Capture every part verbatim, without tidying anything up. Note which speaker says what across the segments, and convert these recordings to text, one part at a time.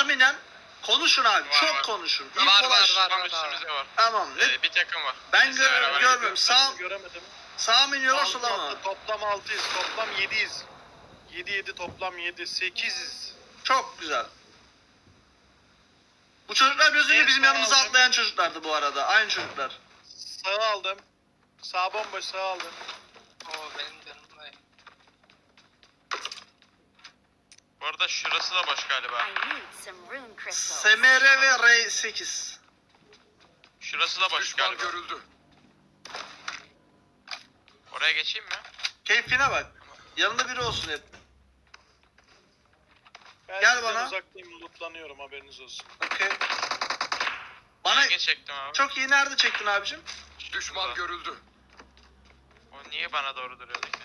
Speaker 1: tahminen konuşun abi.
Speaker 2: Var,
Speaker 1: çok
Speaker 2: var.
Speaker 1: konuşun.
Speaker 3: Var,
Speaker 1: İlk
Speaker 3: var,
Speaker 1: ulaş.
Speaker 3: var.
Speaker 2: Tam üstümüzde var.
Speaker 1: Tamam. Ne?
Speaker 2: Ee, bir takım var.
Speaker 1: Ben
Speaker 2: Bizle
Speaker 1: gör
Speaker 2: beraber
Speaker 1: görmüyorum. Sağ
Speaker 4: Göremedim.
Speaker 1: sağ mı iniyorlar
Speaker 4: Altı
Speaker 1: sola mı?
Speaker 4: altı, toplam altıyız. Toplam yediyiz. yedi yedi toplam yedi. sekiziz.
Speaker 1: Çok güzel. Bu çocuklar biraz önce
Speaker 4: En
Speaker 1: bizim
Speaker 4: sağ
Speaker 1: yanımıza
Speaker 4: aldım.
Speaker 1: atlayan çocuklardı bu arada. Aynı çocuklar.
Speaker 4: Sağı aldım. Sağ bomboş, sağ aldım.
Speaker 3: Oo benim canım var.
Speaker 2: Bu arada şurası da boş galiba.
Speaker 5: I need some rune crystals.
Speaker 1: S M R ve R sekiz.
Speaker 2: Şurası da boş
Speaker 6: Düşman
Speaker 2: galiba.
Speaker 6: görüldü.
Speaker 2: Oraya geçeyim mi?
Speaker 1: Keyfine bak. Yanında biri olsun hep.
Speaker 4: Ben
Speaker 1: Gel
Speaker 4: sizden
Speaker 1: bana.
Speaker 4: uzaktayım, lootlanıyorum, haberiniz olsun.
Speaker 1: Okey. Bana
Speaker 2: Geç çektim abi.
Speaker 1: çok iyi nerede çektin abicim?
Speaker 6: Düşman
Speaker 2: Şurada.
Speaker 6: görüldü.
Speaker 2: O niye bana doğru duruyordu ki?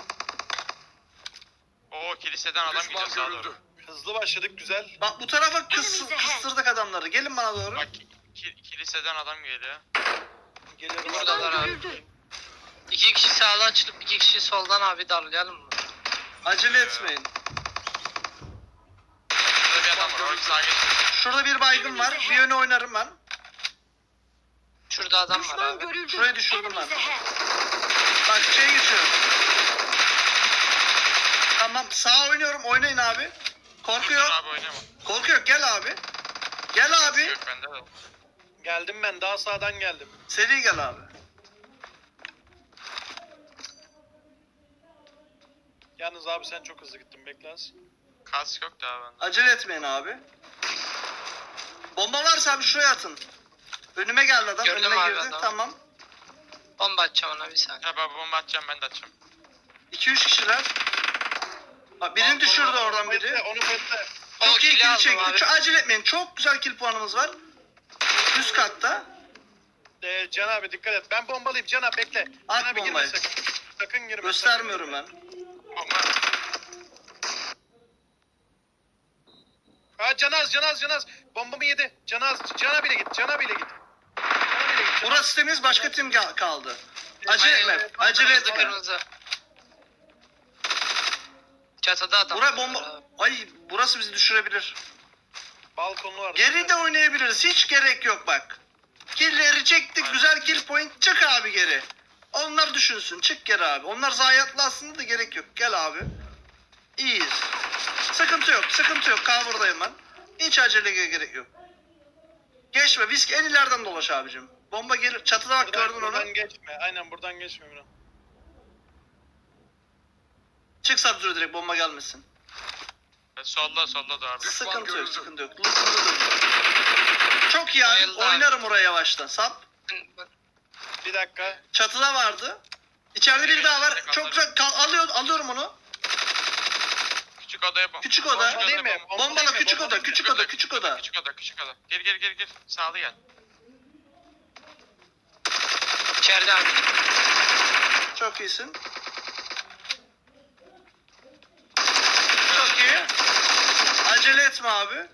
Speaker 2: Oo kiliseden adam
Speaker 6: Düşman
Speaker 2: gidiyor sağa
Speaker 6: görüldü.
Speaker 2: doğru.
Speaker 4: Hızlı başladık, güzel.
Speaker 1: Bak bu tarafa kıs, kıstırdık adamları. Gelin bana doğru.
Speaker 2: Bak ki- ki- kiliseden adam geliyor.
Speaker 4: Geliyorum.
Speaker 3: Buradalar abi. İki kişi sağdan çıkıp iki kişi soldan abi darlayalım mı?
Speaker 1: Acele etmeyin.
Speaker 2: Şurada bir adam var. Oraya sağa geç.
Speaker 1: Şurada bir baygın var. Bir yöne oynarım ben.
Speaker 3: Şurada adam var
Speaker 5: Düşman
Speaker 3: abi.
Speaker 5: görüldü.
Speaker 1: Şurayı düşürdüm ben.
Speaker 5: Enemies ahead.
Speaker 1: Bak şey geçiyorum. Tamam sağ oynuyorum. Oynayın abi. Korku
Speaker 2: Dur
Speaker 1: yok.
Speaker 2: abi oynama.
Speaker 1: Korku yok. Gel abi. Gel abi.
Speaker 2: Yok bende de.
Speaker 4: Geldim ben, daha sağdan geldim.
Speaker 1: Seri gel abi.
Speaker 4: Yalnız abi sen çok hızlı gittin, bekle az.
Speaker 2: Kask yok daha bende.
Speaker 1: Acele etmeyin abi. Bomba varsa abi şuraya atın. Önüme geldi adam.
Speaker 3: Gördüm
Speaker 1: Önüme
Speaker 3: abi
Speaker 1: girdi.
Speaker 3: adamı.
Speaker 1: Tamam.
Speaker 3: Bomba atacağım ona bir saniye.
Speaker 2: Ya ben bomba atacağım ben de atacağım.
Speaker 1: iki üç kişiler. Bak birini düşürdü oradan
Speaker 4: Bekle,
Speaker 1: biri.
Speaker 4: onu bekle.
Speaker 3: O
Speaker 1: Çok iyi
Speaker 3: kili
Speaker 1: kill
Speaker 3: aldım
Speaker 1: çekti.
Speaker 3: abi.
Speaker 1: Çok acele etmeyin. Çok güzel kill puanımız var. Üst katta.
Speaker 4: Ee, Can abi dikkat et. Ben bombalıyım, Can abi bekle.
Speaker 1: At
Speaker 4: Can abi girme
Speaker 1: bombayı.
Speaker 4: sakın. Sakın girme.
Speaker 1: Göstermiyorum ben.
Speaker 2: Bomba.
Speaker 4: Ha Canaz, Canaz, Canaz. Bombamı yedi. Canaz, Can abiyle git, Can abiyle git. Can abiyle git. Can
Speaker 1: Burası temiz. Başka tim ga- kaldı. Acele
Speaker 3: Aynen.
Speaker 1: etme. Acele
Speaker 3: Kırmızı
Speaker 1: etme.
Speaker 3: kırmızı. Çatıda adam
Speaker 1: Buraya
Speaker 3: var
Speaker 1: bomba...
Speaker 3: abi.
Speaker 1: Ay burası bizi düşürebilir.
Speaker 4: Balkonu var.
Speaker 1: Geri de oynayabiliriz. Hiç gerek yok bak. Killleri çektik. Güzel kill point. Çık abi geri. Onlar düşünsün. Çık geri abi. Onlar zayiatlı aslında da gerek yok. Gel abi. İyiyiz. Sıkıntı yok. Sıkıntı yok. Cover'dayım ben. Hiç aceleye gerek yok. Geçme. Visk en ileriden dolaş abicim. Bomba gelir. Çatıda bak
Speaker 4: Buradan,
Speaker 1: gördün onu.
Speaker 4: buradan geçme. Aynen buradan geçme Miran.
Speaker 1: Çık Sabzura direkt bomba gelmesin.
Speaker 2: E, Solda solda da orada.
Speaker 6: Düşman
Speaker 1: Sıkıntı yok.
Speaker 6: görüldü.
Speaker 1: Sıkıntı yok. Loot'umuzu dön. Çok iyi abi.
Speaker 3: Bayıldı abi.
Speaker 1: Oynarım oraya yavaştan. Sap.
Speaker 4: Bir dakika.
Speaker 1: Çatıda vardı. İçeride biri daha var. Çok güzel. Kal- alıyor, alıyorum onu.
Speaker 2: Küçük odaya bomba.
Speaker 1: Küçük oda.
Speaker 2: Küçük
Speaker 4: Değil mi?
Speaker 2: odaya bomba.
Speaker 1: Bombala küçük oda. Küçük oda. Küçük oda.
Speaker 2: Küçük oda küçük oda. Gir gir gir gir. Sağlı gel.
Speaker 3: İçeride abi.
Speaker 1: Çok iyisin. Çok iyi. Acele etme abi.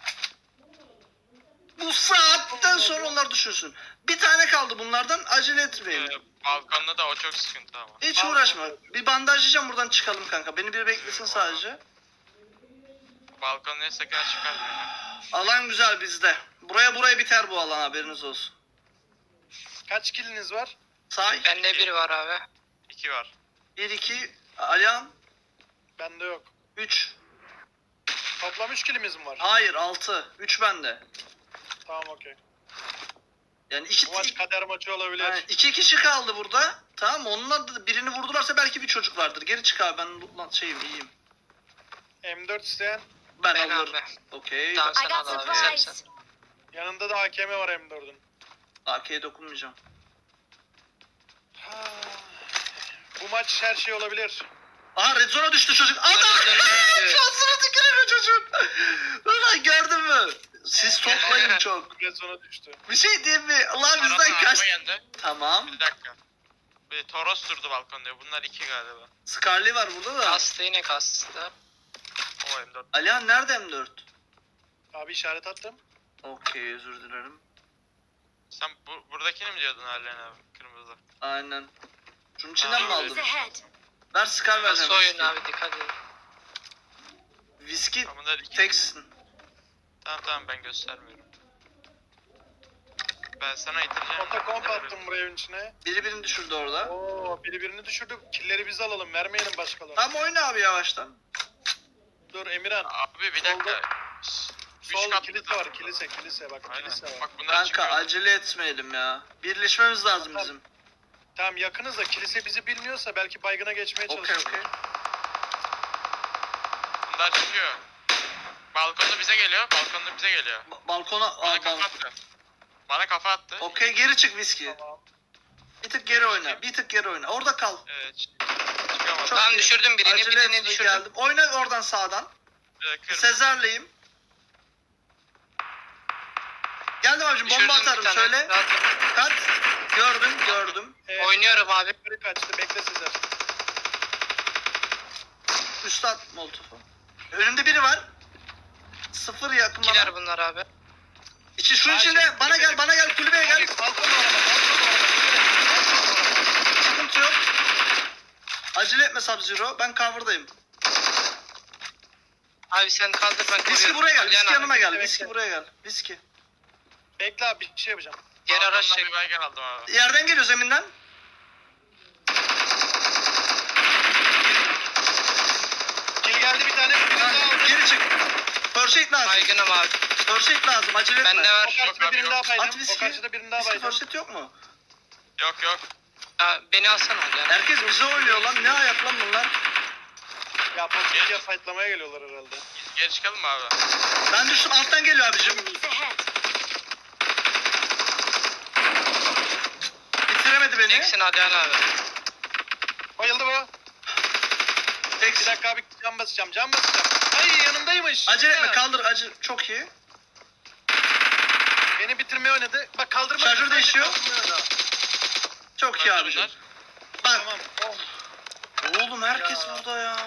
Speaker 1: Bu saatten sonra onlar düşünsün. Bir tane kaldı bunlardan. Acele etmeyin.
Speaker 2: Ee, balkonda da o çok sıkıntı ama.
Speaker 1: Hiç uğraşma. Bir bandajlayacağım buradan çıkalım kanka. Beni bir beklesin sadece.
Speaker 2: Balkon ne sakın çıkar.
Speaker 1: Alan güzel bizde. Buraya buraya biter bu alan haberiniz olsun.
Speaker 4: Kaç kiliniz var?
Speaker 1: Say.
Speaker 3: Bende biri var abi.
Speaker 2: İki var.
Speaker 1: bir iki. Alihan.
Speaker 4: Bende yok.
Speaker 1: üç.
Speaker 4: Toplam üç kilimiz mi var?
Speaker 1: Hayır altı. üç bende.
Speaker 4: Tamam okey.
Speaker 1: Yani iki,
Speaker 4: Bu maç kader maçı olabilir.
Speaker 1: yani iki kişi kaldı burada. Tamam mı? Onlar da birini vurdularsa belki bir çocuk vardır. Geri çık abi ben lan şeyim iyiyim.
Speaker 4: M dört isteyen.
Speaker 1: Ben,
Speaker 3: Ben
Speaker 1: alırım.
Speaker 3: abi.
Speaker 1: Okey.
Speaker 3: Tamam
Speaker 5: I
Speaker 3: sen
Speaker 5: got
Speaker 3: al abi. Sen
Speaker 5: supplies.
Speaker 3: sen.
Speaker 4: Yanında da A K M var M dördün.
Speaker 1: A K'ye dokunmayacağım.
Speaker 4: Ha. Bu maç her şey olabilir.
Speaker 1: Aha red zone'a düştü çocuk. Adam!
Speaker 3: Red zone'a düştü.
Speaker 1: Şansına tükürüyor çocuk. Ulan gördün mü? Siz toplayın çok.
Speaker 4: Red zone'a düştü.
Speaker 1: Bir şey diyeyim mi? Ulan
Speaker 2: Araba
Speaker 1: bizden kaç...
Speaker 2: araba geldi.
Speaker 1: Tamam.
Speaker 2: Bir dakika. Bir Toros durdu balkonda. Bunlar iki galiba.
Speaker 1: Scarlet var burada da.
Speaker 3: Kastı yine kastı.
Speaker 2: O M dört.
Speaker 1: Alihan nerede M dört?
Speaker 4: Abi işaret attım.
Speaker 1: Okey özür dilerim.
Speaker 2: Sen bu, buradakini mi diyordun Halen abi? Kırmızı.
Speaker 1: Aynen. Şunun içinden mi
Speaker 5: Enemies
Speaker 1: aldın?
Speaker 5: ahead.
Speaker 1: Ver Scar vereceğim.
Speaker 3: Nasıl oyun
Speaker 1: viski.
Speaker 3: abi dikkat edin.
Speaker 1: Viski
Speaker 2: Ama bunlar iki.
Speaker 1: teksin.
Speaker 2: Tamam tamam ben göstermiyorum. Ben sana itireceğim.
Speaker 4: Otokomp attım buraya evin içine.
Speaker 1: Biri birini düşürdü orada.
Speaker 4: Oo, biri birini düşürdü. Killeri biz alalım. Vermeyelim başkalarına.
Speaker 1: Tamam oyna abi yavaştan.
Speaker 4: Dur Emirhan.
Speaker 2: Abi bir dakika. Üç
Speaker 4: Sol
Speaker 2: katlı
Speaker 4: kilise
Speaker 2: da-
Speaker 4: var. Kilise kilise bak.
Speaker 2: Aynen.
Speaker 4: Kilise var.
Speaker 2: Bak bunlar
Speaker 1: Kanka
Speaker 2: çıkıyor.
Speaker 1: acele etmeyelim ya. Birleşmemiz lazım
Speaker 4: Tamam.
Speaker 1: bizim.
Speaker 4: Tamam yakınız da kilise bizi bilmiyorsa belki baygına geçmeye
Speaker 1: Okey
Speaker 4: çalışırız.
Speaker 1: okey.
Speaker 2: Bunlar çıkıyor. Balkonda bize geliyor. Balkonda bize geliyor.
Speaker 1: Ba- balkona...
Speaker 2: Bana
Speaker 1: Aa,
Speaker 2: kafa
Speaker 1: bal-
Speaker 2: attı. Bana kafa attı.
Speaker 1: Okey geri çık viski.
Speaker 4: Tamam.
Speaker 1: Bir tık geri oyna. Bir tık geri oyna. Orada kal.
Speaker 2: Evet. Çıkamadım.
Speaker 1: Çok
Speaker 3: Tamam,
Speaker 1: iyi.
Speaker 3: düşürdüm birini,
Speaker 1: Acele
Speaker 3: birini
Speaker 1: etme,
Speaker 3: düşürdüm.
Speaker 1: geldim. Oyna oradan sağdan.
Speaker 2: Ee, kırmızı.
Speaker 1: Sezer'leyim. Geldim abicim bomba
Speaker 3: Düşürdüm bir
Speaker 1: atarım
Speaker 3: tane.
Speaker 1: söyle.
Speaker 3: Rahat ol.
Speaker 1: Kat. Gördüm gördüm.
Speaker 4: Evet,
Speaker 3: Oynuyorum abi.
Speaker 4: yukarı kaçtı. Bekle Sezer.
Speaker 1: Üstad at molotofu. Önümde biri var. Sıfır yakın
Speaker 3: İkiler
Speaker 1: bana.
Speaker 3: bunlar abi.
Speaker 1: İçi şunun
Speaker 4: Ay,
Speaker 1: içinde.
Speaker 4: şimdi
Speaker 1: Bana
Speaker 4: kulübeye-
Speaker 1: gel bana gel kulübeye gel.
Speaker 4: Abi balkon araba. Balkon araba.
Speaker 1: Sıkıntı yok. Acele etme Sub-Zero. Ben cover'dayım.
Speaker 3: Abi sen kaldır ben koruyorum.
Speaker 1: Viski buraya gel.
Speaker 3: Alihan
Speaker 1: Viski
Speaker 3: abi.
Speaker 1: yanıma gel.
Speaker 4: bekle,
Speaker 1: Viski
Speaker 4: bekle.
Speaker 1: buraya gel. Viski.
Speaker 4: Bekle abi bir şey yapacağım.
Speaker 3: Geri araç
Speaker 2: Balkondan
Speaker 3: çek.
Speaker 2: bir baygın aldım abi.
Speaker 1: Yerden geliyor zeminden.
Speaker 4: Kill geldi bir tane. Birini daha aldım.
Speaker 1: Geri çık. First aid lazım.
Speaker 3: Baygınım abi.
Speaker 1: First aid lazım. Acele etme.
Speaker 3: Bende
Speaker 4: O
Speaker 3: var.
Speaker 4: karşıda
Speaker 2: abi,
Speaker 4: birini
Speaker 2: yok.
Speaker 4: daha
Speaker 1: At
Speaker 4: baydım. O
Speaker 1: viski.
Speaker 4: karşıda birini daha
Speaker 1: Viski
Speaker 4: baydım.
Speaker 1: first aid yok mu?
Speaker 2: Yok yok.
Speaker 3: Ha, beni alsana Alihan.
Speaker 1: Herkes bize oynuyor lan. Ne ayak lan bunlar?
Speaker 4: Ya Postiki'ye fightlamaya geliyorlar herhalde.
Speaker 2: Geri çıkalım mı abi?
Speaker 1: Ben düştüm. Alttan geliyor abicim.
Speaker 5: Enemies ahead.
Speaker 1: Bitiremedi beni.
Speaker 3: Teksin Alihan abi.
Speaker 4: Bayıldı bu. Bir
Speaker 1: Tek.
Speaker 4: dakika abi cam basacağım. Cam basacağım. Ay yanımdaymış.
Speaker 1: Acele etme.
Speaker 4: Ha.
Speaker 1: Kaldır. Acı. Çok iyi.
Speaker 4: Beni bitirmeye oynadı. Bak kaldırma.
Speaker 1: Şarjör değişiyor.
Speaker 4: Kaldırmaya oynadı.
Speaker 1: Çok iyi abicim.
Speaker 2: Bunlar-
Speaker 1: Bak.
Speaker 4: Tamam. Oh.
Speaker 1: Oğlum herkes
Speaker 4: Ya.
Speaker 1: burada ya.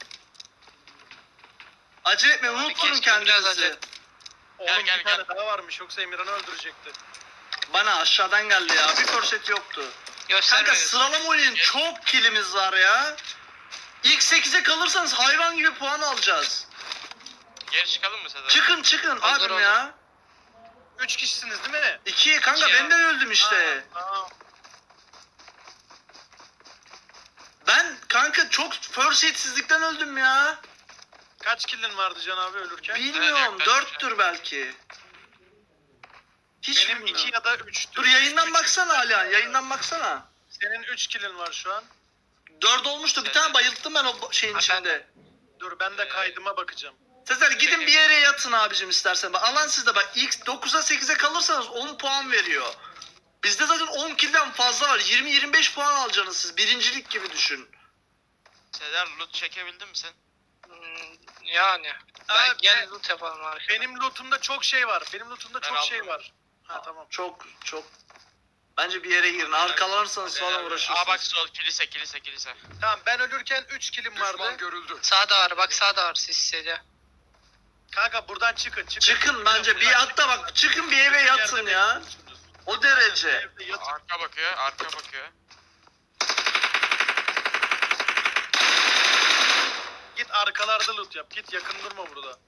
Speaker 1: Acele etme. Unutturun
Speaker 3: keşke biraz
Speaker 1: kendinizi.
Speaker 3: acele-
Speaker 4: Oğlum
Speaker 2: gel,
Speaker 4: bir
Speaker 2: gel.
Speaker 4: tane daha varmış. Yoksa Emirhan'ı öldürecekti.
Speaker 1: Bana aşağıdan geldi ya. Bir korset yoktu. Kanka
Speaker 3: Göstermiyorsun.
Speaker 1: sıralama oynayın. Çok kilimiz var ya. İlk sekize kalırsanız hayvan gibi puan alacağız.
Speaker 2: Geri çıkalım mı Sezer?
Speaker 1: Çıkın çıkın
Speaker 3: Olur,
Speaker 1: abim
Speaker 3: olur.
Speaker 1: ya.
Speaker 4: Üç kişisiniz değil mi?
Speaker 1: İki kanka
Speaker 3: İki ya.
Speaker 1: ben de öldüm işte.
Speaker 4: Aa, aa.
Speaker 1: Ben kanka çok first hitsizlikten öldüm ya.
Speaker 4: Kaç killin vardı Can abi ölürken?
Speaker 1: Bilmiyorum
Speaker 2: yaklaşık
Speaker 1: dörttür belki. Hiç
Speaker 4: Benim
Speaker 1: bilmiyorum.
Speaker 4: iki ya da üçtü.
Speaker 1: Dur yayından
Speaker 4: Üç-
Speaker 1: baksana hala yayından baksana.
Speaker 4: Senin üç killin var şu an.
Speaker 1: Dört olmuştu bir tane bayılttım ben o bo- şeyin
Speaker 3: Ha,
Speaker 1: içinde.
Speaker 4: Dur ben de kaydıma bakacağım.
Speaker 1: Sezer gidin bir yere yatın abicim istersen. Bak, alan sizde bak ilk dokuza sekize kalırsanız on puan veriyor. Bizde zaten on kill'den fazla var. yirmi yirmi beş puan alacaksınız siz. Birincilik gibi düşün.
Speaker 2: Sezer loot çekebildin mi sen?
Speaker 3: Hmm, Yani. Ben
Speaker 4: Abi,
Speaker 3: gel
Speaker 4: ben-
Speaker 3: loot yapalım abi.
Speaker 4: Benim lootumda çok şey var. Benim lootumda
Speaker 2: Ben
Speaker 4: çok şey
Speaker 2: aldım.
Speaker 4: var. Ha tamam.
Speaker 1: Çok çok. Bence bir yere girin. Arkalarsanız falan uğraşırsınız.
Speaker 2: Aa bak sol kilise kilise kilise.
Speaker 4: Tamam ben ölürken üç killim vardı.
Speaker 3: Sağda var, bak sağda var, siz hissediyor.
Speaker 4: Kanka buradan çıkın çıkın.
Speaker 1: Çıkın bence bir
Speaker 4: Buradan
Speaker 1: hatta bak çıkın bir eve
Speaker 4: çıkın,
Speaker 1: yatın
Speaker 4: yerde
Speaker 1: ya.
Speaker 4: bekliyorsunuz.
Speaker 1: O derece.
Speaker 4: Evde yatın.
Speaker 2: Arka bakıyor arka bakıyor.
Speaker 4: Git arkalarda loot yap. Git yakın durma burada.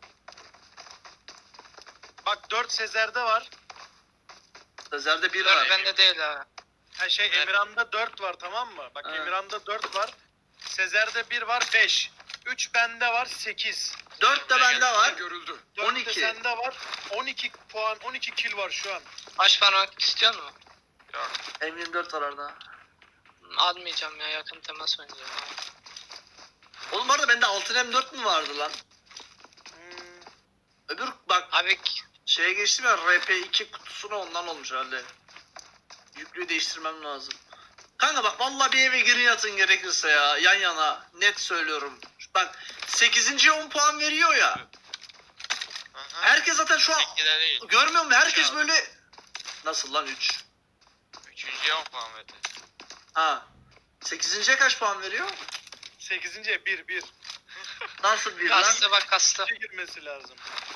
Speaker 4: Bak dört Sezer'de var.
Speaker 1: Sezer'de bir
Speaker 3: Dur
Speaker 1: var.
Speaker 3: bende değil ha.
Speaker 4: Ha şey
Speaker 2: Evet.
Speaker 4: Emirhan'da dört var tamam mı? Bak
Speaker 1: Evet.
Speaker 4: Emirhan'da dört var. Sezer'de bir var beş. üç bende var sekiz.
Speaker 1: Dört de bende var.
Speaker 4: dört de
Speaker 1: on iki.
Speaker 4: sende var. on iki puan on iki kill var şu an.
Speaker 3: Baş parmak istiyor mu?
Speaker 2: Yok.
Speaker 1: M yirmi dört var orada.
Speaker 3: Almayacağım ya, yakın temas oynayacağım abi.
Speaker 1: Oğlum bu arada bende altı M dört mü vardı lan?
Speaker 4: Hmm,
Speaker 1: Öbür bak
Speaker 3: Abi
Speaker 1: şeye geçtim ya R P iki kutusuna ondan olmuş herhalde. Yüklüğü değiştirmem lazım. Kanka bak vallahi bir eve girin yatın gerekirse ya yan yana net söylüyorum. Bak sekizinciye on puan veriyor ya.
Speaker 2: Aha.
Speaker 1: Herkes zaten şu an
Speaker 2: Tekli de değil.
Speaker 1: görmüyor musun? Herkes
Speaker 2: Ya.
Speaker 1: böyle nasıl lan üç?
Speaker 2: Üçüncüye on puan verdi.
Speaker 1: Ha. sekizinciye kaç puan veriyor?
Speaker 4: sekizinciye bir bir.
Speaker 1: Nasıl bir lan?
Speaker 3: kastı, bak kastı.
Speaker 4: İki girmesi lazım.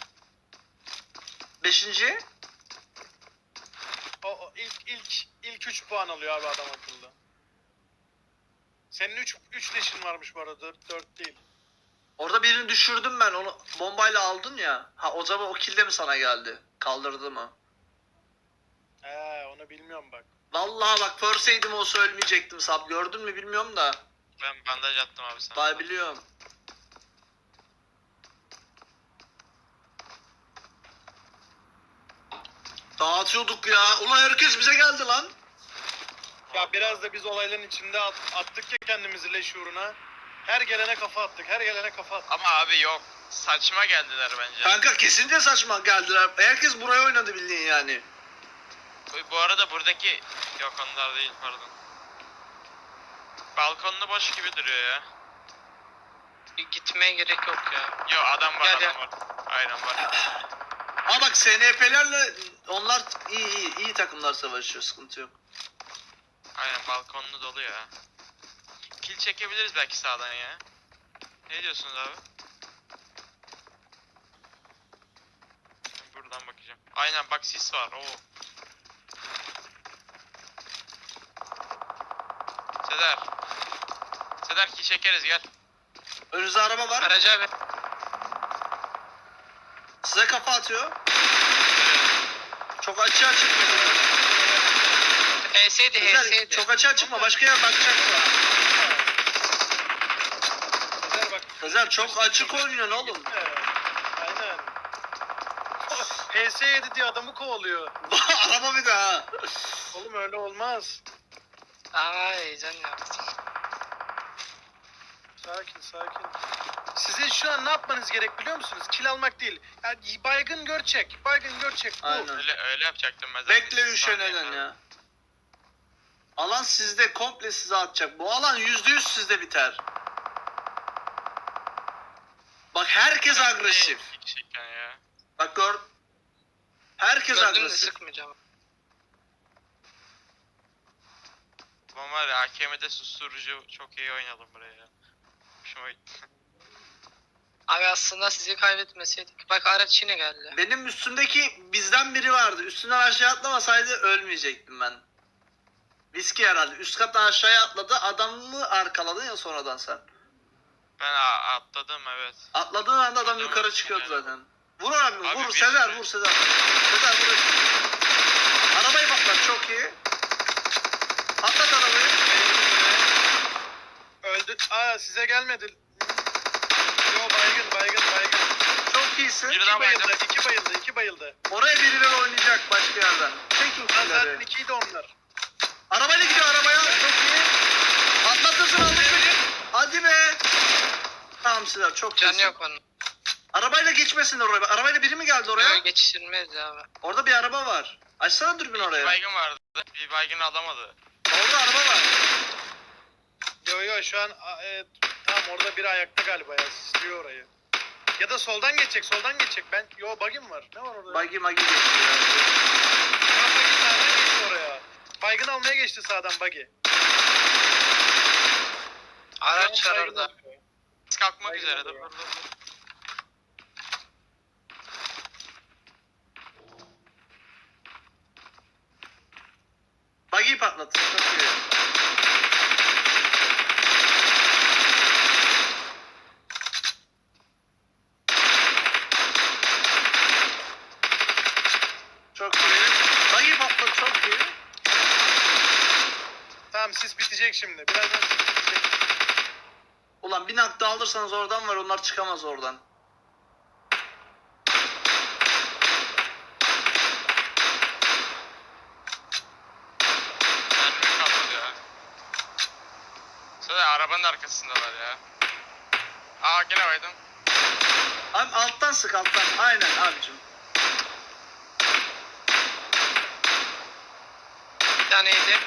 Speaker 1: beşinciye?
Speaker 4: O, o ilk ilk ilk üç puan alıyor abi adam akıllı. Senin üç üç leşin varmış bu arada dört dört değil.
Speaker 1: Orada birini düşürdüm ben, onu bombayla aldın ya. Ha, o zaman o kill de mi sana geldi? Kaldırdı mı?
Speaker 4: He onu bilmiyorum bak.
Speaker 1: Vallahi bak, förseydim olsa ölmeyecektim sab. Gördün mü bilmiyorum da.
Speaker 2: Ben bandaj attım abi sana.
Speaker 1: Daha biliyorum. Dağıtıyorduk ya. Ulan herkes bize geldi lan.
Speaker 4: Ya biraz da biz olayların içinde at- attık ya kendimizi leş uğruna. Her gelene kafa attık. Her gelene kafa attık.
Speaker 2: Ama abi yok. Saçma geldiler bence.
Speaker 1: Kanka kesinlikle saçma geldiler. Herkes buraya oynadı bildiğin yani.
Speaker 2: Bu- Bu arada buradaki... Yok onlar değil pardon. Balkonlu boş gibi duruyor ya.
Speaker 3: Bir gitmeye gerek yok ya.
Speaker 2: Yo adam var
Speaker 3: Gel,
Speaker 2: adam
Speaker 3: gel.
Speaker 2: var. Aynen var.
Speaker 1: Ama bak S N P'lerle onlar iyi iyi iyi takımlar savaşıyor, sıkıntı yok.
Speaker 2: Aynen balkonlu dolu ya. Kill çekebiliriz belki sağdan ya. Ne diyorsunuz abi? Buradan bakacağım. Aynen bak sis var. Oo. Seder. Seder kill çekeriz gel.
Speaker 1: Önünüzde araba var.
Speaker 3: Aracı abi.
Speaker 1: Size kafa atıyor. Çok açığa çıkma.
Speaker 3: H S'ydi H
Speaker 1: Güzel,
Speaker 3: S'ydi.
Speaker 1: çok açığa çıkma. Başka yer bakacaksın.
Speaker 4: Sezer bak.
Speaker 1: Sezer çok açık oynuyorsun oğlum.
Speaker 4: He, aynen. H S yedi diye adamı kovalıyor.
Speaker 1: Araba bir daha.
Speaker 4: Oğlum öyle olmaz.
Speaker 3: Aa heyecan yaptım.
Speaker 4: Sakin sakin. Sizin şu an ne yapmanız gerek biliyor musunuz? Kill almak değil. Yani baygın gör çek. Baygın gör çek. Bu.
Speaker 1: Aynen.
Speaker 2: Öyle öyle yapacaktım ben zaten.
Speaker 1: Bekle üşeneden ya. Alan sizde, komple size atacak. Bu alan yüzde yüz sizde biter. Bak herkes agresif.
Speaker 2: Gerçekten ya.
Speaker 1: Bak gör. Herkes
Speaker 3: Gördüm de
Speaker 1: agresif.
Speaker 3: sıkmayacağım.
Speaker 2: Ama var ya A K M'de susturucu çok iyi oynadım buraya ya. Hoşuma gitti.
Speaker 3: Abi aslında sizi kaybetmeseydik. Bak araç yine geldi.
Speaker 1: Benim üstümdeki bizden biri vardı. Üstünden aşağı atlamasaydı ölmeyecektim ben. Viski herhalde. Üst kattan aşağıya atladı. Adamı arkaladın ya sonradan sen.
Speaker 2: Ben a- atladım evet.
Speaker 1: Atladığın anda adam
Speaker 2: Tamam,
Speaker 1: yukarı çıkıyordu
Speaker 2: yani.
Speaker 1: zaten. Vur abi,
Speaker 2: Abi
Speaker 1: vur
Speaker 2: bir
Speaker 1: Sezer,
Speaker 2: sürü-
Speaker 1: vur Sezer. Sezer vur. Arabayı patlat, çok iyi. Patlat arabayı.
Speaker 4: Öldü. Aa size gelmedi. Yo baygın baygın baygın.
Speaker 1: Çok iyisin.
Speaker 2: Biri
Speaker 4: İki
Speaker 2: daha
Speaker 4: bayıldı.
Speaker 2: bayıldı.
Speaker 4: iki bayıldı. iki bayıldı.
Speaker 1: Oraya birileri oynayacak başka yerden. Çekin
Speaker 4: Lan zaten
Speaker 1: killeri.
Speaker 4: ikiydi onlar.
Speaker 1: Arabayla gidiyor arabaya. Çok iyi. Patlatırsın aldık beni. Hadi be. Tamam Sezer, çok
Speaker 3: Canı
Speaker 1: iyisin.
Speaker 3: yok onun.
Speaker 1: Arabayla geçmesin oraya. Arabayla biri mi geldi oraya?
Speaker 3: Böyle geçiştirmeyiz abi.
Speaker 1: Orada bir araba var. Açsana dürbün
Speaker 2: Bir
Speaker 1: oraya.
Speaker 2: baygın vardı. Bir baygın alamadı.
Speaker 1: Orada araba var.
Speaker 4: Yo yo şu an a- e, tamam orada biri ayakta galiba ya. Sisliyor orayı. Ya da soldan geçecek soldan geçecek. Ben yo bug'im var. Ne var orada?
Speaker 1: Buggy magi geçiyor.
Speaker 4: Ya buggy sağdan geçti oraya. Baygın almaya geçti sağdan buggy.
Speaker 3: Araç
Speaker 4: Şu an
Speaker 3: var
Speaker 4: baygın
Speaker 3: orada.
Speaker 4: alıyor.
Speaker 2: Biz kalkmak
Speaker 4: Baygın
Speaker 2: üzere. Dur
Speaker 4: alıyor.
Speaker 2: dur dur. dur.
Speaker 1: Buggy'yi patlatın. Çok iyi. Çok iyi. Buggy patlat, çok iyi.
Speaker 4: Tamam sis bitecek şimdi. Birazdan sis bitecek.
Speaker 1: Ulan bir nakta alırsanız oradan var, onlar çıkamaz oradan.
Speaker 2: Mermi kalmadı ya. Sonra arabanın arkasındalar ya. Aa gene baydım.
Speaker 1: Abi alttan sık, alttan. Aynen abicim.
Speaker 3: Bir taneydi.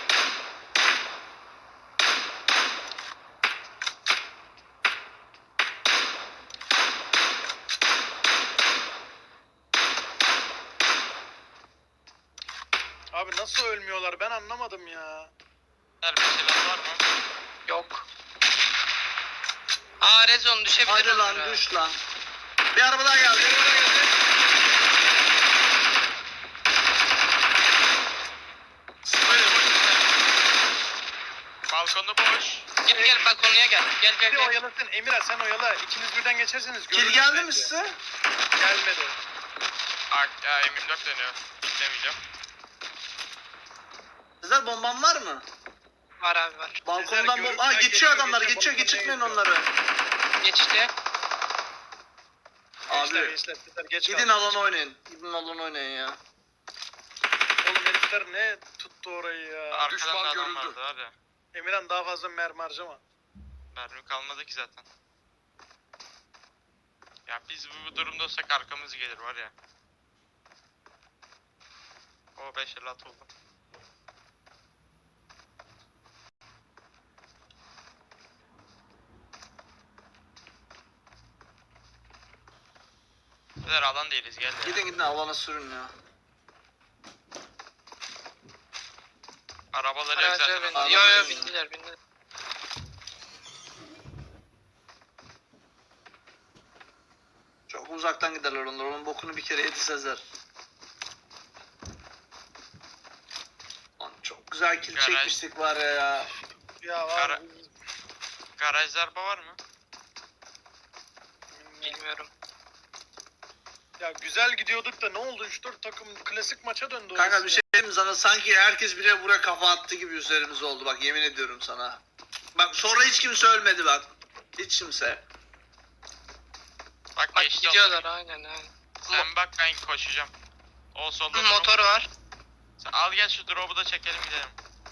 Speaker 4: Abi nasıl ölmüyorlar ben anlamadım ya.
Speaker 2: Her bir şeyler var mı?
Speaker 3: Yok. Aa Rezon düşebilir
Speaker 1: Hadi lan
Speaker 3: onlara.
Speaker 1: düş lan. Bir araba daha geldi.
Speaker 2: Balkonda boş.
Speaker 3: Gel gel balkonuya gel. Gel gel
Speaker 4: Bir
Speaker 3: gel.
Speaker 4: oyalasın. Emirhan sen oyala. İkiniz birden geçerseniz
Speaker 1: Kill
Speaker 4: görürüz
Speaker 1: geldi mi
Speaker 4: bence.
Speaker 1: size?
Speaker 4: Gelmedi.
Speaker 2: Aa, ya, M yirmi dört dönüyor. Demeyeceğim.
Speaker 1: Sizler bomban var mı?
Speaker 3: Var abi var.
Speaker 1: Balkondan
Speaker 4: görüp
Speaker 1: bomba... Aa
Speaker 4: ben
Speaker 1: geçiyor
Speaker 4: geçiyor,
Speaker 1: adamlar,
Speaker 4: geçiyor,
Speaker 1: geçiyor.
Speaker 4: balkondan
Speaker 1: Geçirtmeyin
Speaker 4: geçiyor.
Speaker 1: onları.
Speaker 3: Geçti.
Speaker 4: Gençler
Speaker 1: Abi
Speaker 4: gençler sizler geç
Speaker 1: gidin
Speaker 4: kaldınız.
Speaker 1: alan oynayın. Gidin alan oynayın ya.
Speaker 4: Oğlum herifler ne tuttu orayı ya.
Speaker 2: Arkadan da adam vardı var ya.
Speaker 4: Emirhan daha fazla mermi harcama.
Speaker 2: Mermi kalmadı ki zaten. Ya biz bu, bu durumda olsak arkamız gelir var ya. O beş elli altı oldu. Beyler alan değiliz gel ya.
Speaker 1: Gidin gidin alana sürün ya.
Speaker 2: Arabaları yok
Speaker 3: Araca
Speaker 2: zaten.
Speaker 3: bindi.
Speaker 1: Araba
Speaker 3: Yo yo
Speaker 1: bindi.
Speaker 3: bindiler bindiler.
Speaker 1: Çok uzaktan giderler onlar. Onun bokunu bir kere yedi Sezer. Lan çok güzel kill
Speaker 2: Garaj.
Speaker 1: çekmiştik var ya ya.
Speaker 4: Ya var.
Speaker 2: Kara- Garajda araba var mı?
Speaker 3: Bilmiyorum.
Speaker 4: Ya güzel gidiyorduk da ne oldu? üç dört takım klasik maça döndü.
Speaker 1: Kanka
Speaker 4: orası
Speaker 1: bir
Speaker 4: ya.
Speaker 1: şey diyeyim mi sana? Sanki herkes bire buraya kafa attı gibi üzerimize oldu. Bak yemin ediyorum sana. Bak sonra hiç kimse ölmedi bak. Hiç kimse.
Speaker 2: Bak
Speaker 3: Bak
Speaker 2: geçti
Speaker 3: gidiyorlar
Speaker 2: onlar.
Speaker 3: aynen aynen.
Speaker 2: Sen bak ben koşacağım. O solda drop.
Speaker 3: Motor var.
Speaker 2: Sen al gel şu drop'u da çekelim gidelim.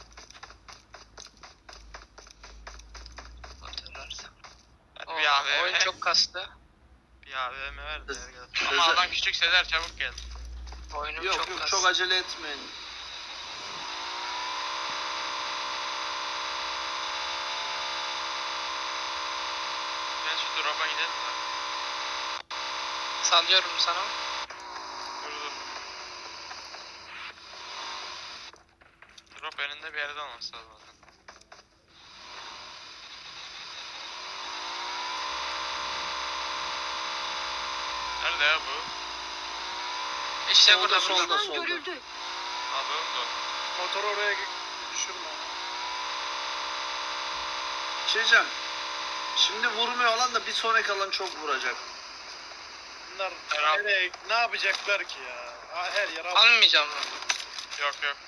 Speaker 3: Motor varsa.
Speaker 2: Hadi
Speaker 3: Oo,
Speaker 2: bir A V M.
Speaker 3: oyun çok kastı.
Speaker 2: Bir A V M ver de
Speaker 1: Öz-
Speaker 2: gel.
Speaker 1: özel-
Speaker 2: Ama alan küçük Sezer çabuk gel.
Speaker 3: Oyunum
Speaker 1: Yok
Speaker 3: çok
Speaker 1: yok
Speaker 3: kastı.
Speaker 1: çok acele etmeyin.
Speaker 2: Gel şu drop'a gidelim de.
Speaker 3: Sallıyorum sana.
Speaker 2: Dur dur. Drop önünde bir yerde olması lazım zaten. Nerede ya bu?
Speaker 3: İşte
Speaker 1: Solda,
Speaker 3: burada
Speaker 1: solda.
Speaker 3: burada.
Speaker 5: Düşman görüldü.
Speaker 2: Abi bu.
Speaker 4: Motoru oraya düşürme.
Speaker 1: Bir şey diyeceğim. Şimdi vurmuyor alan da bir sonraki alan çok vuracak.
Speaker 4: Bunlar
Speaker 2: Herhalde.
Speaker 4: nereye, ne yapacaklar ki ya? Ha, her yer al.
Speaker 3: Almayacağım mı?
Speaker 2: Yok yok.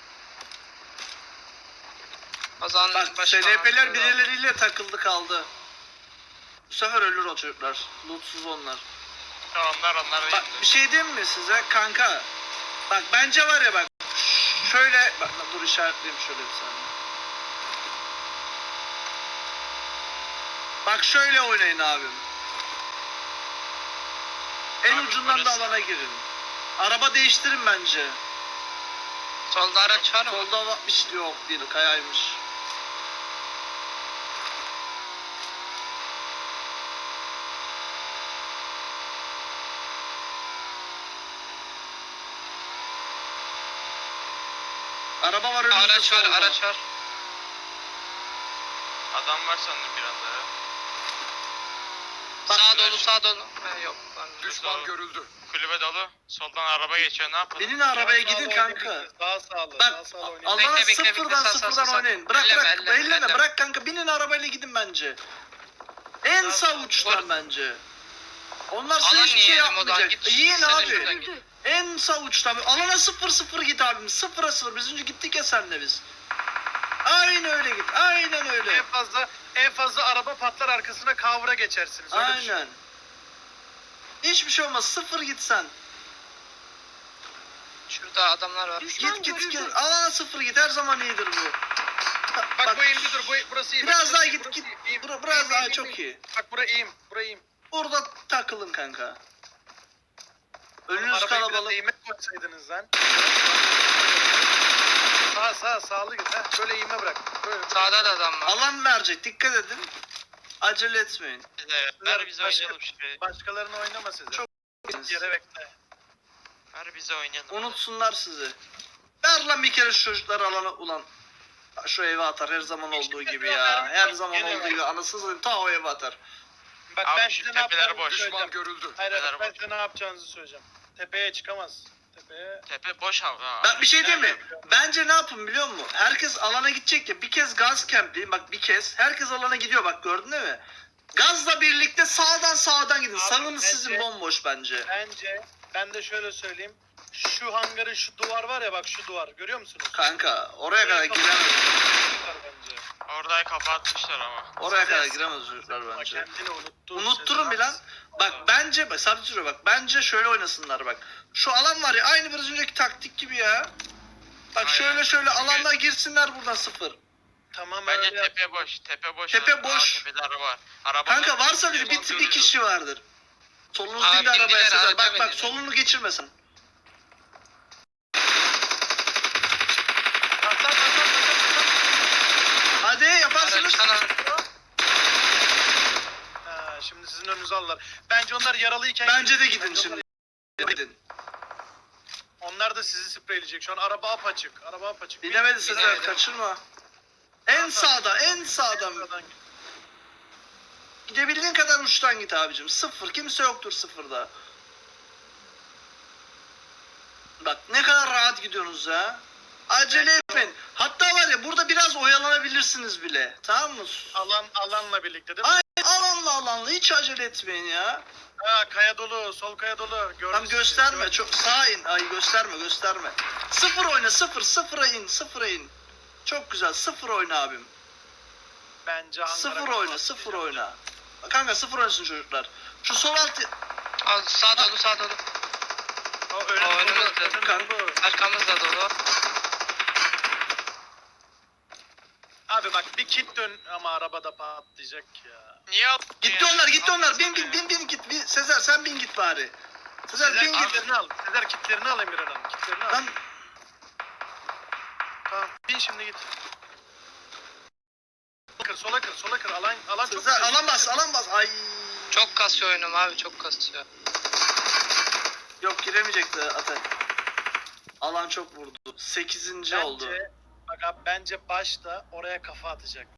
Speaker 3: O zaman
Speaker 1: Bak
Speaker 3: başka
Speaker 1: S L P'ler
Speaker 3: hakkında
Speaker 1: birileriyle takıldı kaldı. Bu sefer ölür o çocuklar. Lootsuz onlar.
Speaker 2: Ya onlar onlar
Speaker 1: Bak
Speaker 2: değil.
Speaker 1: bir şey diyeyim mi size kanka? Bak bence var ya bak. Şöyle bak dur işaretleyeyim şöyle bir saniye. Bak şöyle oynayın abim. En
Speaker 2: Abi
Speaker 1: ucundan da
Speaker 2: burası-
Speaker 1: alana girin. Araba değiştirin bence.
Speaker 3: Solda araç var mı?
Speaker 1: Solda var bir şey yok değil kayaymış. Araba var önümüzde
Speaker 3: Araç var
Speaker 1: solda.
Speaker 3: araç var.
Speaker 2: Adam var sandım bir anda ya.
Speaker 1: Bak,
Speaker 3: Sağ
Speaker 2: araç-
Speaker 3: dolu sağ dolu. Ha, yok. Var.
Speaker 2: Düşman görüldü. Kulübe dolu. Soldan araba geçiyor ne yapalım?
Speaker 1: Binin arabaya
Speaker 4: Sağ
Speaker 1: gidin
Speaker 4: sağlı
Speaker 1: kanka.
Speaker 4: oynayın, Daha sağlı.
Speaker 1: Bak
Speaker 4: Daha sağlı oynayın.
Speaker 1: alana
Speaker 3: Bekle, bekle,
Speaker 1: sıfırdan
Speaker 3: bekle, sağ, sağ,
Speaker 1: sıfırdan
Speaker 3: sağ, sağ.
Speaker 1: oynayın. Bırak
Speaker 3: Elleme,
Speaker 1: bırak
Speaker 3: elleme,
Speaker 1: elleme
Speaker 3: elleme.
Speaker 1: bırak kanka binin arabayla gidin bence. En
Speaker 4: Sağ,
Speaker 1: sağ
Speaker 4: sağ,
Speaker 1: uçtan
Speaker 3: vur.
Speaker 1: bence. Onlar size
Speaker 3: Alan
Speaker 1: hiçbir şey
Speaker 3: yiyelim o zaman,
Speaker 1: yapmayacak.
Speaker 3: git,
Speaker 1: Yiyin
Speaker 3: sen de
Speaker 1: abi.
Speaker 3: şuradan git.
Speaker 1: En sağ uçtan. Alana sıfır sıfır git abim. Sıfıra sıfır. Biz önce gittik ya senle biz. Aynen öyle git. Aynen öyle.
Speaker 4: En fazla en fazla araba patlar arkasına kavra geçersiniz. Öyle düşün.
Speaker 1: Aynen. Hiçbir şey olmaz. Sıfır git sen.
Speaker 3: Şurada adamlar var.
Speaker 5: Düşman
Speaker 1: Git git
Speaker 5: görüldü.
Speaker 1: git. Alana sıfır git. Her zaman iyidir bu. Bak,
Speaker 4: Bak, bu iyiydi dur. Bu, burası iyi. Bak,
Speaker 1: biraz
Speaker 4: burası
Speaker 1: daha
Speaker 4: iyi,
Speaker 1: git
Speaker 4: burası
Speaker 1: git.
Speaker 4: iyi, iyi.
Speaker 1: Bura- biraz
Speaker 4: İyi,
Speaker 1: daha
Speaker 4: iyi, iyi,
Speaker 1: çok
Speaker 4: iyi.
Speaker 1: iyi.
Speaker 4: Bak bura iyiyim. Bura iyiyim.
Speaker 1: Burada takılın kanka. Önünüz
Speaker 4: Arabayı biraz
Speaker 1: kalabalık.
Speaker 4: eğime koysaydınız lan. Sağ sağ sağlı git. Ha. Şöyle eğime bırak. Böyle.
Speaker 3: Sağda da adam var.
Speaker 1: Alan verecek. Dikkat edin. Acele etmeyin.
Speaker 2: Bize, ver bize
Speaker 4: Başka-
Speaker 2: oynayalım şurayı.
Speaker 4: Başkalarını oynama size.
Speaker 1: Çok-
Speaker 4: Yere bekle.
Speaker 2: Ver bize oynayalım.
Speaker 1: Unutsunlar sizi. Ver lan bir kere şu çocukları alana ulan. Şu eve atar her zaman olduğu gibi ya. Her zaman olduğu gibi anasını satayım ta o eve atar.
Speaker 4: Bak
Speaker 2: Abi
Speaker 4: ben
Speaker 2: şu
Speaker 4: size ne
Speaker 2: tepeler
Speaker 4: yapacağınızı
Speaker 2: boş.
Speaker 4: söyleyeceğim.
Speaker 2: görüldü.
Speaker 4: Hayır, hayır
Speaker 2: Tepeler
Speaker 4: ben
Speaker 2: boş.
Speaker 4: size ne yapacağınızı söyleyeceğim. Tepeye çıkamaz. Tepeye.
Speaker 2: Tepe boş hava. ha.
Speaker 1: Ben bir şey diyeyim mi?
Speaker 4: Yapıyorum.
Speaker 1: Bence ne yapın biliyor musun? Herkes alana gidecek ya. Bir kez gaz campleyin. Bak bir kez. Herkes alana gidiyor bak, gördün değil mi? Gazla birlikte sağdan sağdan gidin.
Speaker 4: Abi,
Speaker 1: Sağınız
Speaker 4: bence-
Speaker 1: sizin bomboş bence.
Speaker 4: Bence ben de şöyle söyleyeyim. Şu hangarın şu duvar var ya, bak şu duvar görüyor musunuz?
Speaker 1: Kanka oraya kadar giremez.
Speaker 4: Var bence.
Speaker 2: Orayı kapatmışlar ama.
Speaker 1: Oraya kadar
Speaker 4: Sezer-
Speaker 1: giremez çocuklar
Speaker 4: Bak
Speaker 1: bence.
Speaker 4: kendini unuttu.
Speaker 1: Unutturun
Speaker 4: Sezer
Speaker 1: bir lan.
Speaker 4: Abbas.
Speaker 1: Bak bence bak sabit duruyor bak. Bence şöyle oynasınlar bak. Şu alan var ya, aynı biraz önceki taktik gibi ya. Bak
Speaker 2: Aynen.
Speaker 1: şöyle şöyle alanlar girsinler buradan sıfır.
Speaker 4: Tamam
Speaker 2: Bence
Speaker 4: öyle yap.
Speaker 2: tepe boş. Tepe boş.
Speaker 1: Tepe
Speaker 2: Aa,
Speaker 1: boş.
Speaker 2: tepede araba var. Araba
Speaker 1: Kanka
Speaker 2: var.
Speaker 1: varsa bir, bir, bir
Speaker 2: Görüyoruz.
Speaker 1: kişi vardır. Solunuz
Speaker 3: Abi
Speaker 1: değil de arabaya
Speaker 3: bindiler,
Speaker 1: Sezer.
Speaker 3: araba
Speaker 1: Bak bak
Speaker 3: bindiler.
Speaker 1: solunu geçirmesin.
Speaker 4: Atlan atlan atlan atlan.
Speaker 1: Hadi yaparsınız.
Speaker 3: Araçtan
Speaker 4: Ha, şimdi sizin önünüze alırlar. Bence onlar yaralıyken
Speaker 1: Bence de gidin
Speaker 4: Bence
Speaker 1: şimdi.
Speaker 4: onlar-
Speaker 1: Gidin.
Speaker 4: Onlar da sizi spreyleyecek. Şu an araba apaçık. Araba apaçık.
Speaker 1: Bilemedi Sezer,
Speaker 3: Bilemedim.
Speaker 1: kaçırma. En sağda, en sağdan.
Speaker 4: Buradan git.
Speaker 1: Gidebildiğin kadar uçtan git abicim. Sıfır, kimse yoktur sıfırda. Bak ne kadar rahat gidiyorsunuz ya. Acele etmeyin. Hatta var ya burada biraz oyalanabilirsiniz bile. Tamam mı?
Speaker 4: Alan alanla birlikte değil mi?
Speaker 1: Aynen, alanla alanla hiç acele etmeyin ya.
Speaker 4: Ha, kaya dolu, sol kaya dolu. Gördüm
Speaker 1: Tam
Speaker 4: sizi.
Speaker 1: gösterme,
Speaker 4: Gördüm.
Speaker 1: çok sağa in. Ay gösterme, gösterme. Sıfır oyna, sıfır, sıfıra in, sıfıra in. Çok güzel, sıfır oyna abim.
Speaker 4: Bence Ankara
Speaker 1: Sıfır
Speaker 4: kafa
Speaker 1: oyna, sıfır
Speaker 4: atlayacak.
Speaker 1: oyna. Kanka sıfır oynasın çocuklar. Şu sol alt...
Speaker 3: Al, sağ dolu sağ dolu.
Speaker 4: O önüm
Speaker 3: Aa,
Speaker 4: dolu,
Speaker 3: önümüzde.
Speaker 4: önüm
Speaker 1: Kanka.
Speaker 4: dolu.
Speaker 3: Arkamız da dolu.
Speaker 4: Abi bak bir kit dön ama arabada patlayacak ya.
Speaker 2: Niye attın
Speaker 1: Gitti
Speaker 2: ya?
Speaker 1: onlar, gitti onlar.
Speaker 2: Atlasana
Speaker 1: Bin bin
Speaker 2: ya.
Speaker 1: bin bin git. Bin. Sezer sen bin git bari. Sezer,
Speaker 4: Sezer
Speaker 1: bin git.
Speaker 4: kitlerini al. Sezer kitlerini al Emirhan Hanım. Kitlerini al.
Speaker 1: Lan
Speaker 4: Tamam. Bin şimdi git. Kır, sola kır, sola kır. Alan, alan çok
Speaker 1: Sezer
Speaker 4: güzel.
Speaker 1: alan bas, alan bas. Ay.
Speaker 3: Çok kasıyor oyunum abi, çok kasıyor.
Speaker 1: Yok giremeyecekti Atak. Alan çok vurdu. Sekizinci oldu.
Speaker 4: Bence, bak abi bence başta oraya kafa atacak.